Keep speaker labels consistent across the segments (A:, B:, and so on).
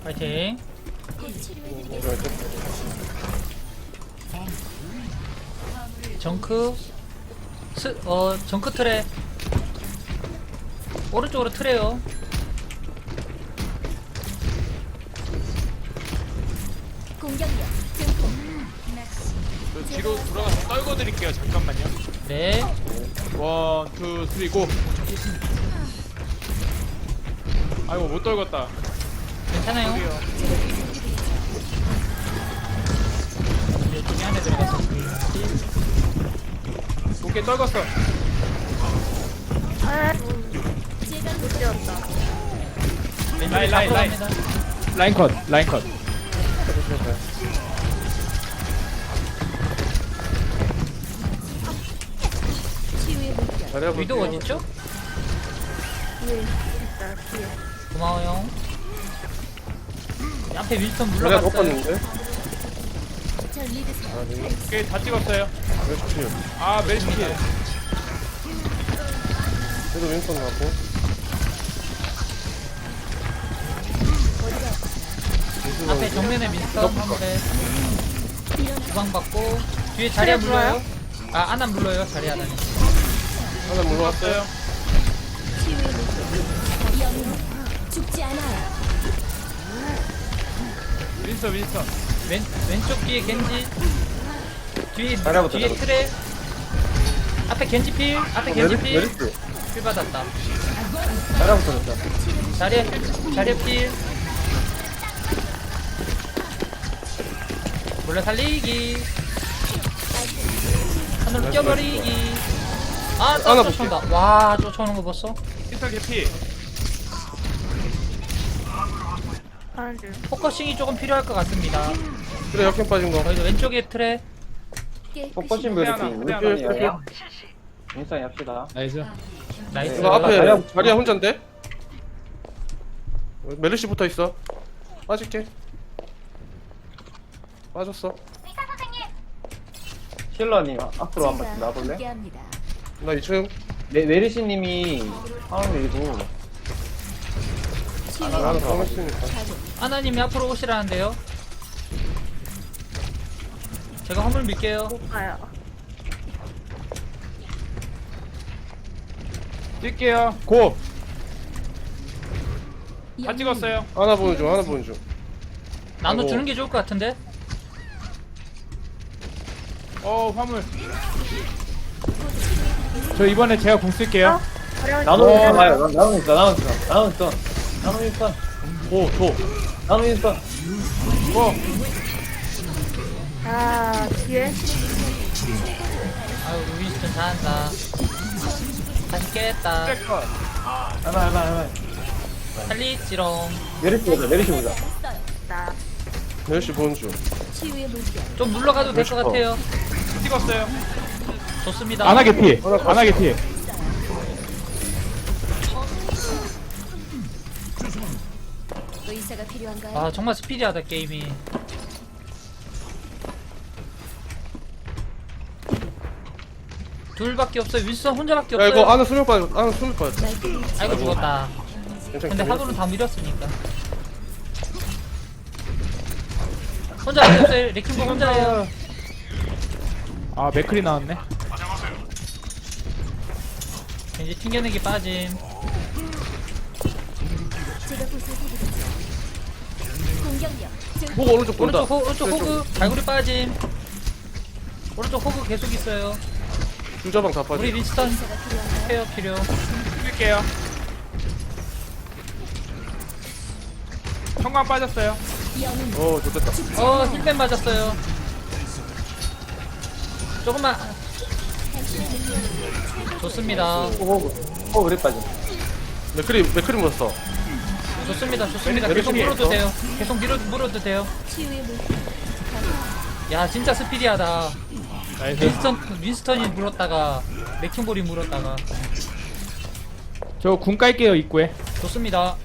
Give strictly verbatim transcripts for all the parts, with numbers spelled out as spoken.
A: 파이팅. 정크 스, 어 정크 트레 오른쪽으로 트레요.
B: 공격력 증폭.
C: 저 뒤로 돌아가서 떨궈 드릴게요. 잠깐만요.
A: 네.
C: 원, 투, 쓰리, 고. 아이고 못 떨궜다.
A: 괜찮아요.
C: 여기요.
A: 이제 중에 안에 들어가서
C: 오케이 떨궜어.
B: 제가 못 되었다.
A: 왼쪽에
C: 라인, 라인,
A: 잡으러
C: 라인.
A: 갑니다.
C: 라인 컷, 라인 컷.
B: 치유의 물결.
D: 잘해볼게요.
A: 위도 어딨죠?
B: 뒤에 있다. 뒤에.
A: 고마워요. 앞에 윌턴
D: 자리야 못
A: 물러갔어요.
D: 봤는데?
B: 절 믿으세요.
D: 아, 네.
C: 오케이 다 찍었어요.
D: 몇 킬?
C: 아 멜시 피.
D: 그래도 윈선 가고.
A: 앞에 정면에 민스턴 화물에
B: 일어나.
A: 주방 받고 뒤에 자리야 물러요. 아 아난 물러요. 자리야 아난.
D: 하나 물러왔어요.
C: 왔어요.
B: 치유의 물결. 영웅 죽지 않아요.
C: 윈서 윈서.
A: 왼 왼쪽 뒤에 겐지. 뒤에
D: 자리야부터
A: 뒤에
D: 잡을게.
A: 트레. 앞에 겐지 필. 앞에 겐지 필.
D: 메리스.
A: 필 받았다.
D: 자리야부터 잡자.
A: 자리야 필. 자리야 필. 몰래 살리기. 하늘로 뛰어버리기. 아,
D: 하나
A: 또 쫓아온다. 와, 쫓아오는 거 봤어?
C: 윈서 개피.
A: 포커싱이 조금 필요할 것 같습니다.
D: 그래 역행 빠진 거.
A: 저희도 왼쪽에 트레.
B: 깨끗이
C: 후회 하나, 후회 하나.
D: 왼쪽에
E: 인싸이 합시다.
C: 나이스.
A: 나이스.
D: 이거 앞에
E: 자리야.
D: 자리야 혼잔데? 메르시 붙어 있어. 빠질게. 빠졌어.
E: 힐러님 앞으로 한 번씩
B: 제가
E: 나볼래?
B: 함께합니다.
D: 나 이 층.
E: 메, 메리시님이 상황 밀고
B: 치유의
D: 나는
B: 물결.
D: 가만 있으니까.
B: 가동.
A: 아나님이 앞으로 오시라는데요. 제가 화물 밀게요.
C: 뛸게요. 고. 다
B: 영웅
C: 찍었어요.
D: 하나 보는 중. 하나 보는 중.
A: 나눠
D: 아이고.
A: 주는 게 좋을 것 같은데.
C: 어 화물. 저 이번에 제가 공 쓸게요.
E: 나노
D: 어.
E: 인스턴 가요. 나노 인스턴, 나노 인스턴, 나노 인스턴, 나노 인스턴,
D: 오, 도.
E: 나노 인스턴.
C: 고.
F: 아, 뒤에?
A: 아유, 윈스턴 잘한다. 다시 깼다.
C: 트랙 컷.
E: 하나, 하나, 하나.
A: 살리지롱.
E: 메리시 보자, 메리시 보자.
B: 했어요.
F: 나.
D: 메르시 보는 중.
B: 치유의 물결.
A: 좀 물러가도 될 것 같아요.
C: 찍었어요.
A: 좋습니다.
C: 안하 개피.
D: 하나
C: 안하 개피.
B: 의사가 필요한가요?
A: 아, 정말 스피디하다, 게임이. 둘밖에 없어요. 윈스턴 혼자밖에
D: 야
A: 없어요.
D: 이거 안에 수명 빠졌. 안에 수명 빠졌다.
B: 말끔히
A: 아이고, 죽었다.
D: 괜찮아.
A: 근데 하도는 다 밀었으니까. 혼자 안 없어요. 레킹볼 혼자예요.
C: 아 맥클이 나왔네.
A: 이제 튕겨내기 빠짐.
B: 제가 보살펴드리죠. 공격력 증폭.
D: 보고 오른쪽 본다.
A: 오른쪽, 호, 오른쪽 호그. 갈고리 빠짐. 오른쪽 호그 계속 있어요.
D: 주자방 다 빠져.
A: 우리 윈스턴
B: 의사가 필요한가요?
A: 케어 필요.
C: 뛸게요. 형광 빠졌어요.
B: 영웅
D: 어, 좋겠다.
A: 어, 힐밴 맞았어요. 조금만.
B: 당신의 능력이
A: 좋습니다.
E: 호그, 호그 그래 빠짐.
D: 맥크리 맥크리 묻었어.
A: 좋습니다. 좋습니다.
D: 메리-
A: 계속
D: 메리시
A: 물어도
D: 있어?
A: 돼요. 계속 밀어, 물어도 돼요.
B: 치유의 물결.
A: 야, 진짜 스피디하다.
C: 나이스.
A: 윈스턴, 윈스턴이 물었다가, 레킹볼이 물었다가.
C: 저 궁 깔게요 입구에.
A: 좋습니다.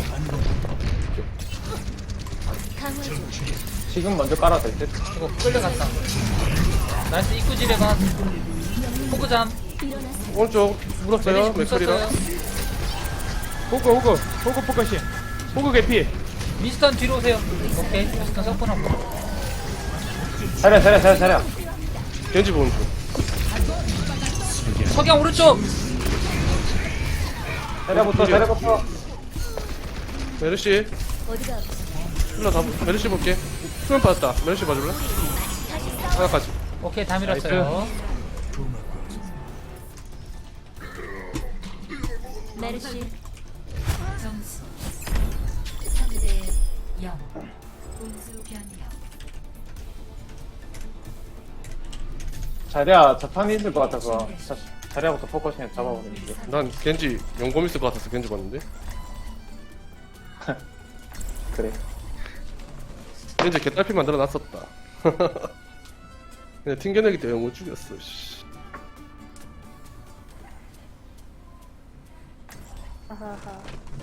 B: 강화 중.
E: 지금 먼저 깔아도 될 듯.
A: 이거 끌려갔다. 나이스 입구질에 봐. 호그잠.
B: 일어나세요.
D: 오른쪽 물었어요.
A: 메리시 궁
D: 맥크리랑.
A: 썼어요.
C: 호그 호그 호그 포커싱. 호그 개피.
A: 미스턴 뒤로 오세요. 오케이. 미스턴 섞어놓고.
E: 자리야 자리야 자리야 자리야.
D: 겐지 보는 중.
A: 석양 오른쪽.
E: 자리야부터 자리야부터.
D: 메르시.
B: 어디가
D: 힐러 다 메르시 볼게. 수면 빠졌다. 메르시 봐줄래? 하나까지.
A: 오케이 다 밀었어요.
B: 메르시
F: 점수 삼 대 영. 공수 변경.
E: 자리야 자탄이 있을 것 같아서 자, 자리야부터 포커싱해 잡아보는 게.
D: 난 겐지 용검 있을 것 같아서 겐지 봤는데.
E: 그래.
D: 겐지 개딸피 만들어 놨었다. 그냥 튕겨내기 때문에 못 죽였어. 씨.
G: 아하하.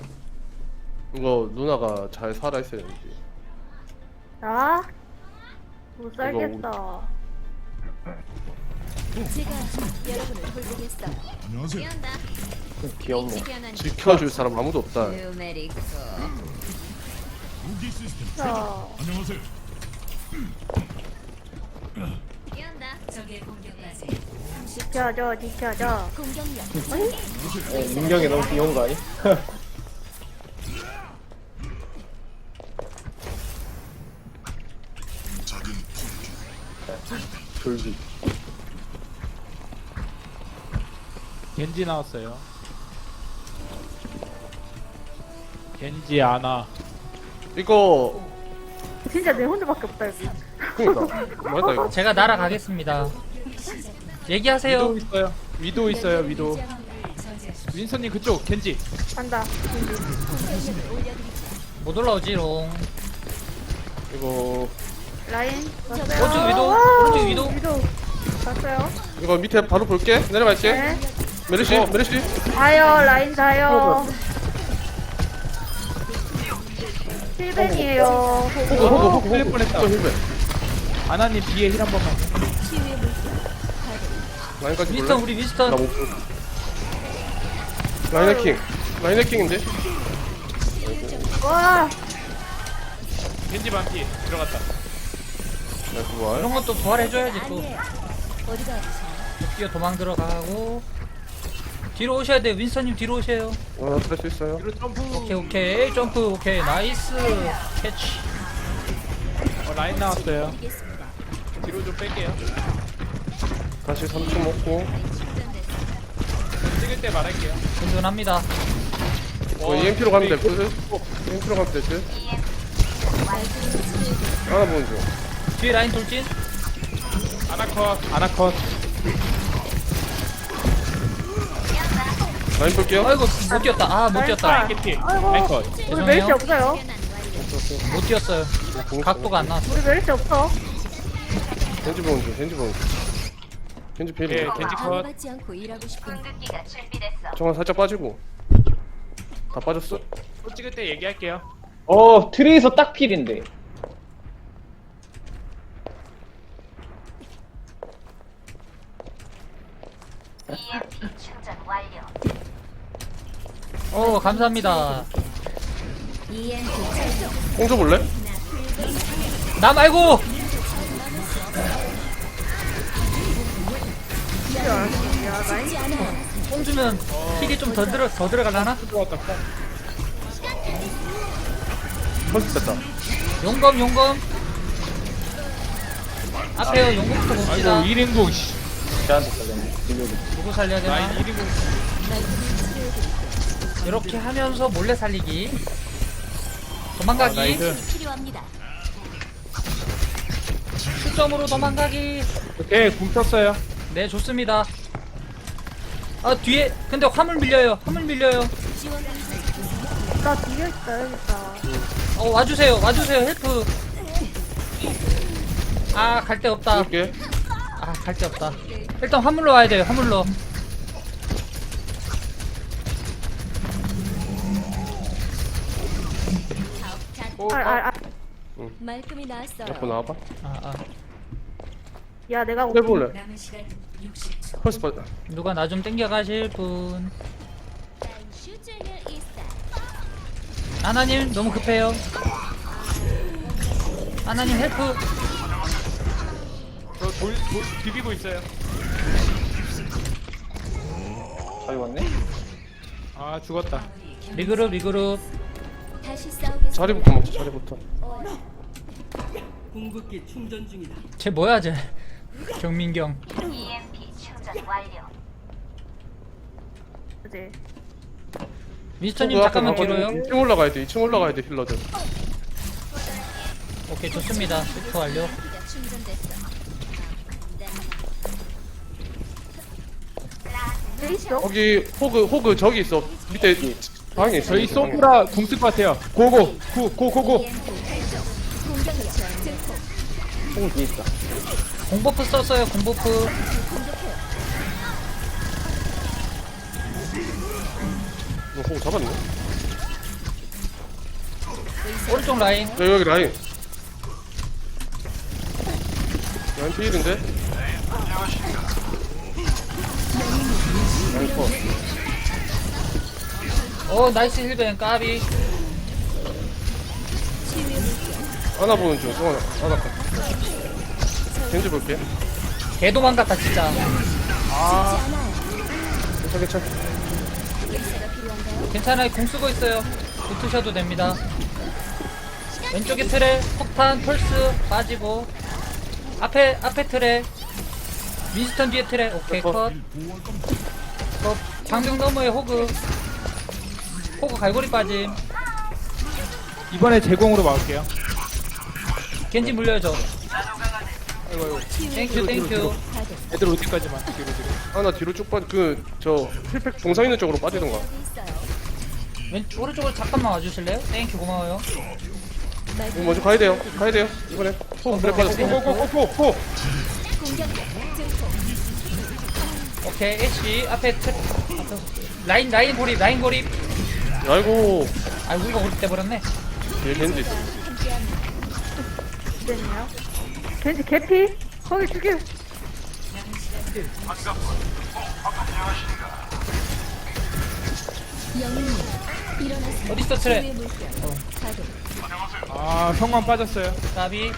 D: 이거 누나가 잘 살아 있어야 되는데.
G: 나? 못 살겠다.
B: 제가 여러분을 돌보겠어요.
H: 안녕하세요.
E: 좀 귀엽네.
B: 일찍
D: 지켜줄 사람 아무도 없다.
B: 누메리코
H: 무기 시스템
G: 자,
H: 안녕하세요.
F: 적의 공격까지
G: 지켜줘, 지켜줘.
B: 공격력
E: 어, 민경이 너무 귀여운 거 아니?
H: 작은
E: 졸비.
C: 겐지 나왔어요. 겐지 아나.
D: 이거
G: 진짜 내 혼자밖에 없다, 여기.
D: 그니까 맞다 이거.
A: 제가 날아가겠습니다. 얘기하세요.
C: 위도 있어요. 위도 있어요. 위도. 윈선님 그쪽 겐지.
G: 간다.
A: 못 올라오지롱.
D: 이거
G: 라인, 왔어요.
A: 오른쪽 위도,
G: 와우,
A: 오른쪽 위도.
G: 위도. 봤어요?
D: 이거 밑에 바로 볼게. 내려갈게.
G: 네.
D: 메르시 메르시.
G: 가요, 라인 가요. 힐벤이에요.
D: 호그 호그 호그
C: 흘릴
D: 호그.
C: 뻔했다.
D: 또 힐베.
C: 아나님 뒤에 힐 한 번만.
B: 치유의 물질
D: 라인까지
A: 미스턴
D: 볼래?
A: 우리
D: 나
A: 미스턴.
D: 못. 볼. 라인 해킹. 라인 해킹인데.
G: 와,
C: 겐지 반피 들어갔다.
D: 나 그거
A: 이런 것도 부활해줘야지 또.
B: 아니에요. 어디가 아프세요?
A: 뛰어 도망 들어가고. 뒤로 오셔야 돼요. 윈스턴님 뒤로 오세요.
D: 어, 할수 있어요.
C: 뒤로 점프.
A: 오케이 오케이 점프 오케이 나이스 캐치.
C: 어, 라인 나왔어요.
B: 드리겠습니다.
C: 뒤로 좀 뺄게요.
D: 다시 삼 초 먹고.
C: 찍을 때 말할게요.
A: 든든합니다.
D: 어, 이엠피로 가면 될 듯. 이엠피로 가면 될 듯. 하나 보는 중.
A: 뒤에 라인 돌진.
C: 아나컷. 아나컷.
D: 라인 볼게요.
A: 아이고 못 뛰었다. 아 못 뛰었다.
C: 겐지.
G: 아이고.
C: 라인컷.
G: 우리 멜시
A: 죄송해요.
G: 없어요.
A: 못 뛰었어요. 각도가 안 나왔어.
G: 우리 멜시 없어.
D: 겐지 보는 중. 겐지 보는 중. 겐지 필.
C: 예, 겐지 컷.
B: 방해받지 않고 일하고 싶은
D: 정말 살짝 빠지고. 다 빠졌어.
C: 또 찍을 때 얘기할게요.
E: 어 트레이서 딱 필인데.
A: 어 감사합니다.
B: 이엠피 찰정
D: 뽕줘 볼래?
A: 나 말고.
B: 죽지 않아요.
A: 뽕 주면 힐이 좀 더 들어 더 들어갈라나?
C: 들어갔다.
D: 펄스 됐다.
A: 용검 용검. 앞에요 용검부터 봅시다.
C: 아이고 일 인공. 씨.
E: 저한테 걸렸네. 딜러기.
A: 누구 살려야
C: 라인
A: 되나?
C: 일 인공.
A: 이렇게 하면서 몰래 살리기. 도망가기.
C: 아, 나이스.
B: 필요합니다.
A: 수점으로 도망가기.
C: 오케이 궁 켰어요.
A: 네 좋습니다. 아 뒤에 근데 화물 밀려요. 화물 밀려요.
B: 지원 공세
G: 나 뒤에 있어야겠다.
A: 어 와주세요. 와주세요. 헬프. 아 갈 데 없다.
D: 볼게.
A: 아 갈 데 없다. 일단 화물로 와야 돼요. 화물로.
C: 오,
G: 아, 아, 아.
B: 말끔히 나왔어요.
D: 옆으로 나와봐.
A: 아, 아.
G: 야, 내가
D: 해볼래?
F: 남은 시간 육십 초.
D: 펄스 빠져.
A: 누가 나 좀 땡겨 가실 분.
B: 슈즈는 있어.
A: 하나님 너무 급해요. 하나님 헬프.
C: 저 돌, 돌 비비고 있어요.
E: 잘 왔네?
C: 아 죽었다.
A: 리그룹 리그룹.
B: 다시 싸우겠습니다.
D: 자리부터 먹자 자리부터.
H: 궁극기 충전 중이다.
A: 쟤 뭐야 쟤. 경민경.
G: 그지?
A: 미스터님 잠깐만 뒤로요.
D: 이 층 올라가야 돼. 이 층 올라가야 돼 힐러들.
A: 오케이 좋습니다. 슈트 완료.
B: 우리가 충전됐어.
G: 돼 있어?
D: 거기 호그 호그 저기 있어. 밑에 방에 있어.
C: 저희 소브라 궁쓸 것 같아요. 고고 고고고고.
B: 공격력 증폭.
E: 총 뒤에 있다.
A: 공버프 썼어요. 공버프.
D: 이거 호그 잡았네.
A: 오른쪽 라인.
D: 여기 여기 라인. 라인 필인데? 라인 컷.
A: 오 나이스 힐벤 까비.
D: 하나 보는 중. 성원아 하나 컷. 겐지 볼게.
A: 개 도망갔다 진짜.
D: 괜찮 괜찮.
B: 의사가 필요한가요?
A: 괜찮아요. 공 쓰고 있어요. 붙으셔도 됩니다. 왼쪽에 트레 폭탄 펄스 빠지고 앞에 앞에 트레 윈스턴 뒤에 트레. 오케이 컷. 어, 방벽 너머에 호그. 호그 갈고리 빠짐.
C: 이번에 제공으로 막을게요.
A: 겐지 물려줘.
C: 아이고 아이고.
A: 땡큐 땡큐.
C: 애들 올 때까지만 뒤로 뒤로.
D: 하나 뒤로 쭉 빠져. 그저 힐팩 동상 있는 쪽으로 빠지던가.
B: 여기 있어요.
A: 왼 오른쪽으로 잠깐만 와주실래요? 땡큐 고마워요.
D: 이거 먼저 가야 돼요. 가야 돼요. 이번에 호그 그래 빠졌어.
C: 고고고고고.
B: 공격력 증폭.
A: 오케이 애쉬 앞에 트 앞에 라인 라인 고립 라인 고립.
D: 아이고
A: 아 우리가 고립돼 버렸네.
D: 얘 겐지 있어.
G: 됐네요. 겐지 개피? 거기 죽여.
B: 영웅님 일어나세요.
A: 어디 있어 트레?
B: 치유의 물결. 가동.
C: 아 성광 빠졌어요.
A: 까비.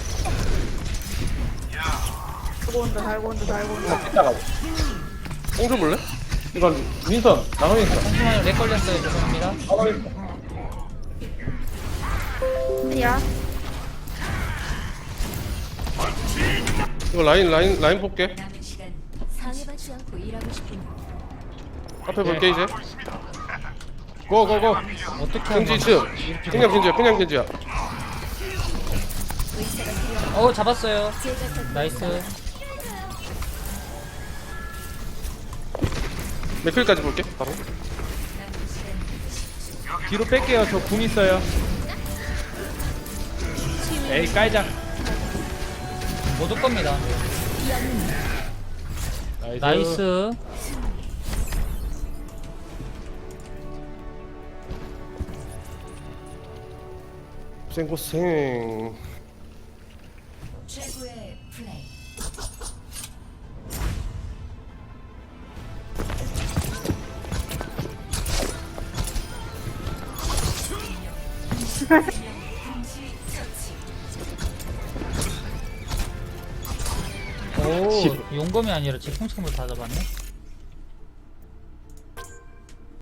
G: 달고 온다, 달고 온다, 달고 온다.
E: 이따가
D: 뽕좀 볼래?
E: 이건 윈선 나눠 있어.
A: 잠시만요 렉 걸렸어요. 죄송합니다.
E: 나눠 있어.
G: 어디야?
D: 이거 라인 라인 라인 볼게.
F: 남은 시간
B: 상해받지 않고 일하고 싶은
D: 앞에 볼게 이제.
C: 고고고.
A: 어떻게 하면
D: 겐지 층. 그냥 겐지야. 그냥 겐지야.
B: 의사가 필요한
A: 어 잡았어요.
B: 제가 곁에
A: 나이스.
D: 맥클까지 볼게. 바로.
C: 뒤로 뺄게요. 저 궁 있어요. 에이 깔자.
A: 못 올 겁니다.
C: 나이스.
A: 나이스.
D: 고생 고생.
F: 최고의 플레이.
A: 오 용검이 아니라 제 풍선물 다 잡았네.